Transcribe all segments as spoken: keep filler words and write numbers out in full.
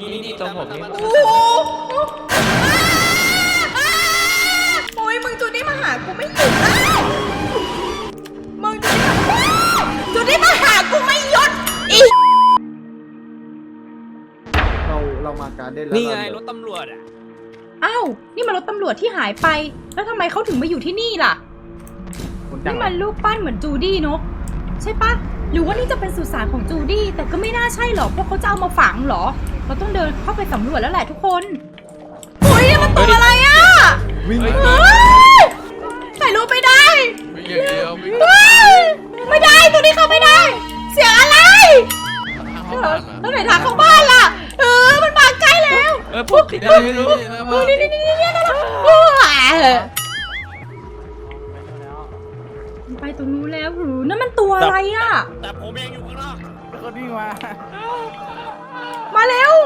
นี่นี่ตรงผมนี่โอ้โหโอ้ยมึงจูดี้มาหากูไม่หยุดมึงจูดี้มาหากูไม่หยุดอีเราเรามาการเด่นแล้วนี่ไงรถตำรวจอ่ะอ้าวนี่มันรถตำรวจที่หายไปแล้วทำไมเขาถึงมาอยู่ที่นี่ล่ะนี่มันรูปปั้นเหมือนจูดี้เนอะใช่ปะหรือว่านี่จะเป็นสุสานของจูดี้แต่ก็ไม่น่าใช่หรอกเพราะเขาจะเอามาฝังหรอเราต้องเดินเข้าไปสำรวจแล้วแหละทุกคนโอ้ยนี่มันตัวอะไรอ่ะวิ่งเฮ้ยถ่ายรูปไม่ได้วิ่งอย่างเดียววิ่งเฮ้ยไม่ได้ตัวนี้เข้าไม่ได้ เสียงอะไรเข้าบ้านแล้วไหนทางเข้าบ้านล่ะเออมันมาใกล้แล้วเออผมติดอะไรไม่รู้เออนี่นี่นี่นี่นี่โอ้ยไปตรงนู้นแล้วหรือนั่นมันตัวอะไรอ่ะแต่ผมเองอยู่ข้างนอกแล้วก็วิ่งมามาเร็ว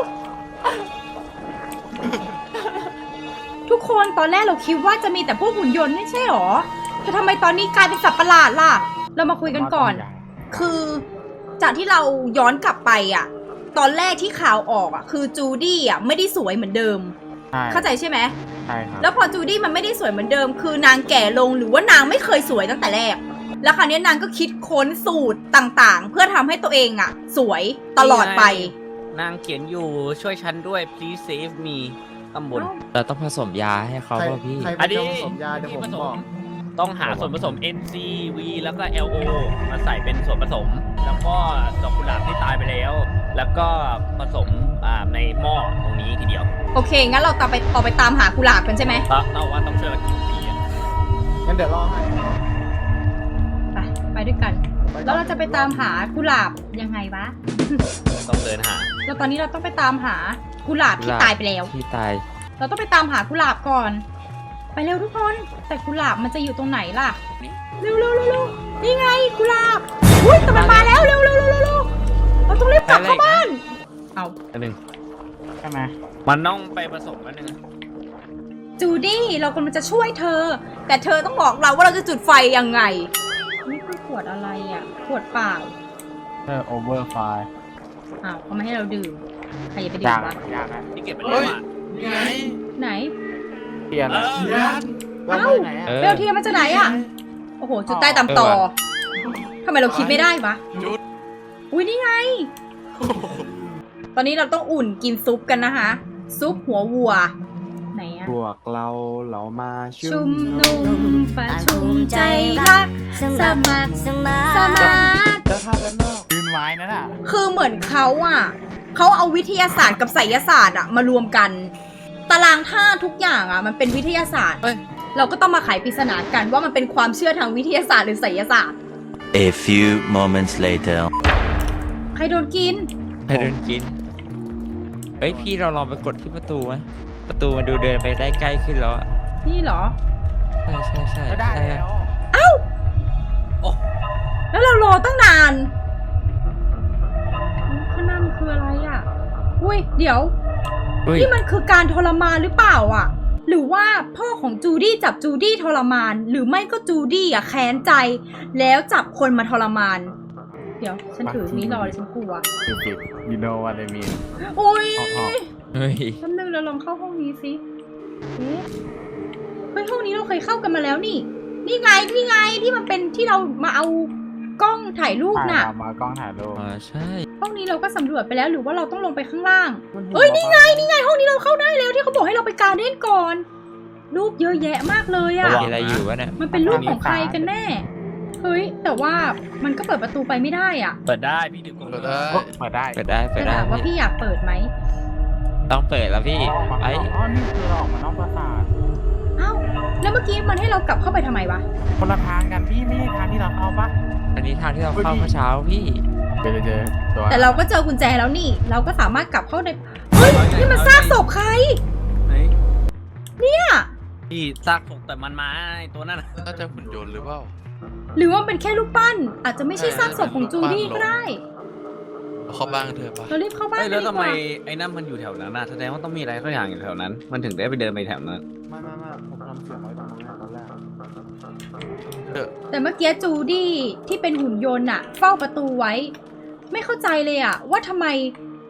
ทุกคนตอนแรกเราคิดว่าจะมีแต่พวกหุ่นยนต์ไม่ใช่หรอแต่ทำไมตอนนี้กลายเป็นสัตว์ประหลาดล่ะ เรามาคุยกันก่อน คือจากที่เราย้อนกลับไปอ่ะ ตอนแรกที่ข่าวออกอ่ะคือจูดี้อ่ะไม่ได้สวยเหมือนเดิมเข้าใจใช่ไหมใช่ครับแล้วพอจูดี้มันไม่ได้สวยเหมือนเดิม คือนางแก่ลงหรือว่านางไม่เคยสวยตั้งแต่แรก แล้วคราวนี้นางก็คิดค้นสูตรต่างๆ เพื่อทำให้ตัวเองอ่ะ สวยตลอดไปนางเขียนอยู่ช่วยฉันด้วย please save me ตำบลเราต้องผสมยาให้เขาใครป่ะพี่ใครอัเป็นนนี้เจ้าผสมยาเดี๋ยวผมบอกต้องหาส่วนผสม เอ็น ซี วี แล้วก็ แอล โอ มาใส่เป็นส่วนผสม แล้วก็ดอกกุหลาบที่ตายไปแล้ว แล้วก็ผสมอ่าในหม้อตรงนี้ทีเดียวโอเค งั้นเราตามไปออกไปตามหากุหลาบกันใช่ไหมเราเราว่าต้องช่วยกันกินปีอ่ะงั้นเดี๋ยวรอให้ไป ไปด้วยกัน แล้วเราจะไปตามหากุหลาบยังไงวะต้องเดินหาแล้วตอนนี้เราต้องไปตามหากุหลาบที่ตายไปแล้วที่ตายเราต้องไปตามหากุหลาบก่อน ไปเร็วทุกคน แต่กุหลาบมันจะอยู่ตรงไหนล่ะ เร็วเร็วเร็วเร็วนี่ไงกุหลาบ อุ้ยแต่มันมาแล้วเร็วเร็วเร็วเร็วเร็วเราต้องรีบกลับเข้าบ้าน เอาอันหนึ่งใช่ไหมมันต้องไปผสมอันหนึ่งจูดี้เรากำลังจะช่วยเธอ แต่เธอต้องบอกเราว่าเราจะจุดไฟยังไง นี่คือขวดอะไรอ่ะ ขวดเปล่าเออโอเวอร์ไฟอ้าวเขาไม่ให้เราดื่ม ใครจะไปดื่มวะยากนะที่เก็บไปแล้วอ่ะนี่ไงไหนเปลี่ยนละเทียนว่าเอ้าไหนอะเออเบลเทียมมาจากไหนอ่ะ โอ้โห จุดใต้ตามต่อเออว่ะทำไมเราคิดไม่ได้วะจุดอุ้ยนี่ไง ตอนนี้เราต้องอุ่นกินซุปกันนะคะ ซุปหัววัว ไหนอะพวกเราเรามาชุชุมมนุมประชุมใจรัก สมัครสมาสมาร์ทจะทำกันนอกยืนไม้นั่นอ่ะคือเหมือนเขาอ่ะ เขาเอาวิทยาศาสตร์กับไสยศาสตร์อ่ะมารวมกัน ตารางธาตุทุกอย่างอ่ะมันเป็นวิทยาศาสตร์ เราก็ต้องมาไขปริศนากันว่ามันเป็นความเชื่อทางวิทยาศาสตร์หรือไสยศาสตร์ A few moments later. ใครโดนกินให้เดินกิน เฮ้ยพี่เราลองไปกดที่ประตูไหมประตูมันดูเดินไปได้ใกล้ขึ้นแล้วอะนี่เหรอใช่ใช่ใช่ก็ได้ใช่แล้วแล้วเรารอตั้งนานข้างหน้ามันคืออะไรอ่ะ อุ้ย เดี๋ยวเฮ้ยนี่มันคือการทรมานหรือเปล่าอ่ะ หรือว่าพ่อของจูดี้จับจูดี้ทรมาน หรือไม่ก็จูดี้อ่ะแค้นใจ แล้วจับคนมาทรมาน เดี๋ยว ฉันถือนี้รอเลยฉันกลัวปิดปิด you know what I mean อุ้ยออกออกเฮ้ยแป๊บนึงเราลองเข้าห้องนี้สิเอ๊ะเฮ้ยห้องนี้เราเคยเข้ากันมาแล้วนี่ นี่ไง นี่ไงที่มันเป็นที่เรามาเอากล้องถ่ายรูปถ่ายน่ะมากล้องถ่ายรูปอ่าใช่ห้องนี้เราก็สำรวจไปแล้วหรือว่าเราต้องลงไปข้างล่าง เอ้ยนี่ไงนี่ไงห้องนี้เราเข้าได้แล้วที่เขาบอกให้เราไปการเด้นก่อน รูปเยอะแยะมากเลยอะมีอะไรอยู่วะเนี่ยมันเป็นรูปของใครกันแน่ เฮ้ยแต่ว่ามันก็เปิดประตูไปไม่ได้อ่ะเปิดได้พี่ดื่มก่อนเปิดได้โอ๊ะเปิดได้เปิดได้เปิแต่ดได้ถามว่าพี่อยากเปิดไหมต้องเปิดแล้วพี่ ไอ้อ๋อนี่คือเราออกมานอกปราสาทเอ้าแล้วเมื่อกี้มันให้เรากลับเข้าไปทำไมวะคนละทางกันพี่ไม่ใช่ทางที่เราเข้าปะอันนี้ทางที่เราเข้าเมื่อเช้าพี่เจอเจอตัวแต่เราก็เจอกุญแจแล้วนี่ เราก็สามารถกลับเข้าในเฮ้ยนี่มันซากศพใครไหนเนี่ยพี่ซากศพแต่มันมาไอ้ตัวนั้นน่ะน่าจะหุ่นยนต์หรือเปล่าหรือว่าเป็นแค่รูปปั้น อาจจะไม่ใช่ซากศพของจูดี้ก็ได้เข้าบ้านกันเถอะปะเรารีบเข้าบ้านเอ้ยกัแล้นวดีทำกไมว่าไอ้นั่นมันอยู่แถวนั้นน่ะแสดงว่าต้องมีอะไรสักอย่างอยู่แถวนั้น มันถึงได้ไปเดินไปแถวนั้นไม่ไม่ไม่ผมทำเสียงไว้ตรงนี้ตอนแรกเถอะแต่เมื่อกี้จูดี้ที่เป็นหุ่นยนต์อะเฝ้าประตูไว้ ไม่เข้าใจเลยอะว่าทำไม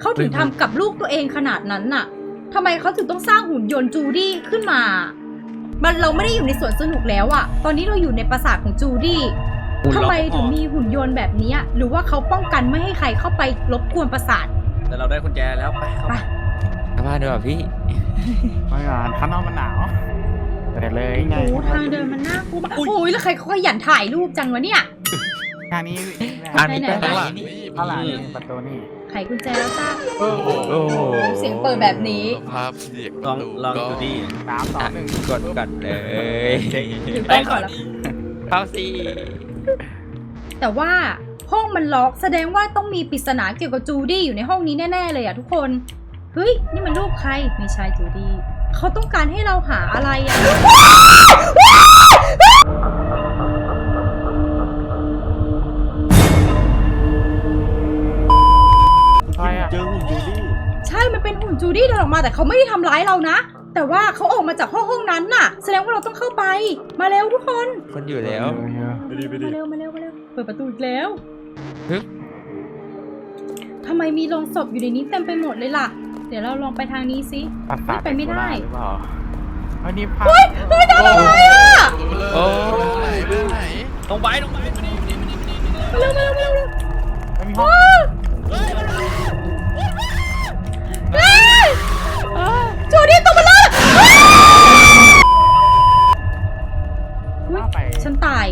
เขาถึงทำกับลูกตัวเองขนาดนั้นน่ะทำไมเขาถึงต้องสร้างหุ่นยนต์จูดี้ขึ้นมา มันเราไม่ได้อยู่ในสวนสนุกแล้วอะตอนนี้เราอยู่ในปราสาทของจูดี้ทำไมถึงมีหุ่นยนต์แบบนี้หรือว่าเขาป้องกันไม่ให้ใครเข้าไปรบกวนปราสาทแต่เราได้กุญแจแล้วไปเข้าไปไปกลับบ้านดีกว่าพี่ไม่งานข้างนอกมันหนาวแต่เลยโอ้ทางเดินมันน่ากลัวมากโอ้ยแล้วใครเขาขยันถ่ายรูปจังวะเนี่ยทางนี้ทางนี้ไหนไปๆไหนนี่ข้างหลังนี่ประตูนี่ไขกุญแจแล้วจ้าโอ้โหโอ้โหเสียงเปิดแบบนี้ภาพเสียงลองลองจูดี้สามสองหนึ่งกดก่อนเลยถือกล้องก่อนแล้วเข้าสิแต่ว่าห้องมันล็อกแสดงว่าต้องมีปริศนาเกี่ยวกับจูดี้อยู่ในห้องนี้แน่ๆเลยอะทุกคนเฮ้ยนี่มันรูปใครไม่ใช่จูดี้เขาต้องการให้เราหาอะไรอะใช่อะเจอหุ่นจูดี้ใช่มันเป็นหุ่นจูดี้เดินออกมาแต่เขาไม่ได้ทำร้ายเรานะแต่ว่าเขาออกมาจากห้องห้องนั้นน่ะแสดงว่าเราต้องเข้าไปมาเร็วทุกคนคนอยู่แล้วไปดีไปดีมาเร็วมาเร็วมาเร็วเปิดประตูอีกแล้วฮึบทำไมมีโลงศพอยู่ในนี้เต็มไปหมดเลยล่ะ เดี๋ยวเราลองไปทางนี้สิปราสาทไปไม่ได้หรือเปล่าเฮ้ยนี่ภาพเฮ้ยเฮ้ยทำอะไรอ่ะโอ้ไหนไปไหนตรงไปตรงไปมานี่มานี่มานี่มานี่มาเร็วมาเร็วมาเร็วมาเร็วไม่มีห้องเฮ้ยจูดี้ตัวมันเลยเข้าไปฉันตาย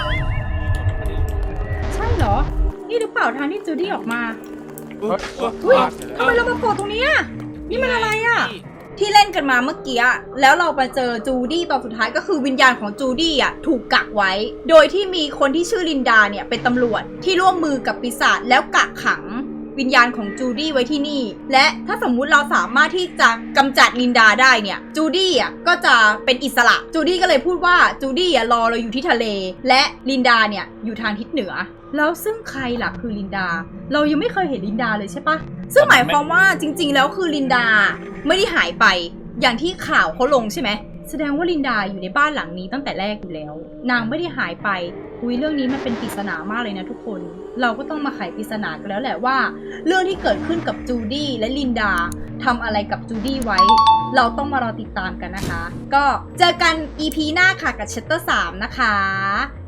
ใช่เหรอ นี่หรือเปล่าทางที่จูดี้ออกมาเฮ้ยอุ้ยทำไมเรามาโผล่ตรงนี้อ่ะนี่มันอะไรอ่ะ ที่เล่นกันมาเมื่อกี้อะแล้วเราไปเจอจูดี้ตอนสุดท้ายก็คือวิญญาณของจูดี้อ่ะถูกกักไว้ โดยที่มีคนที่ชื่อลินดาเนี่ยเป็นตำรวจที่ร่วมมือกับปีศาจแล้วกักขังวิญญาณของจูดี้ไว้ที่นี่ และถ้าสมมุติเราสามารถที่จะกำจัดลินดาได้เนี่ยจูดี้อ่ะก็จะเป็นอิสระจูดี้ก็เลยพูดว่าจูดี้อ่ะรอเราอยู่ที่ทะเล และลินดาเนี่ยอยู่ทางทิศเหนือ แล้วซึ่งใครล่ะคือลินดา เรายังไม่เคยเห็นลินดาเลยใช่ปะซึ่งหมายความว่าจริงๆแล้วคือลินดาไม่ได้หายไปอย่างที่ข่าวเขาลงใช่ไหมแสดงว่าลินดาอยู่ในบ้านหลังนี้ตั้งแต่แรกอยู่แล้ว นางไม่ได้หายไปคุยเรื่องนี้มันเป็นปริศนามากเลยนะทุกคน เราก็ต้องมาไขปริศนากันแล้วแหละว่า เรื่องที่เกิดขึ้นกับจูดี้และลินดาทำอะไรกับจูดี้ไว้ เราต้องมารอติดตามกันนะคะ ก็เจอกัน อี พี หน้าค่ะกับ Chapter สามนะคะ